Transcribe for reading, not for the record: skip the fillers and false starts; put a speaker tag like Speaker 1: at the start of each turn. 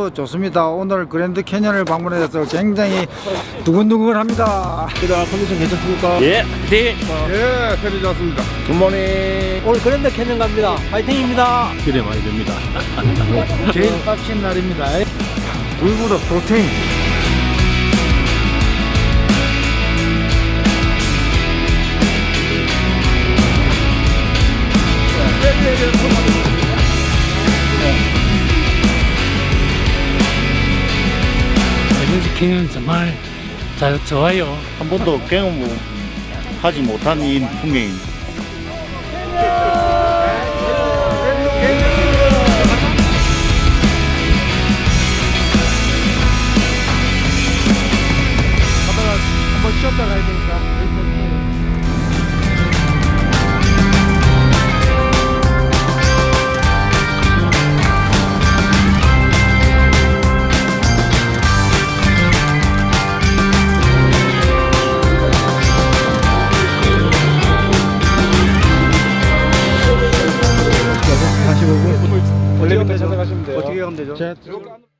Speaker 1: 아주 좋습니다. 오늘 그랜드 캐년을 방문해서 굉장히 두근두근합니다.
Speaker 2: 그다 컨디션 괜찮습니까?
Speaker 3: 예, 네.
Speaker 2: 예, 편히 좋습니다. 굿모닝.
Speaker 4: 오늘 그랜드 캐년 갑니다. 파이팅입니다.
Speaker 3: 기대 많이 됩니다.
Speaker 1: 제일 빡친 날입니다. 물보다 프로테인.
Speaker 5: 그랜드 캐년 정말 좋아요.
Speaker 6: 한 번도 경험하지 못한 이 풍경입니다.
Speaker 1: 한번 쉬었다 가야 되니까.
Speaker 2: 원래 밑에 가시면 돼요.
Speaker 1: 어떻게 가면 되죠?
Speaker 2: 자,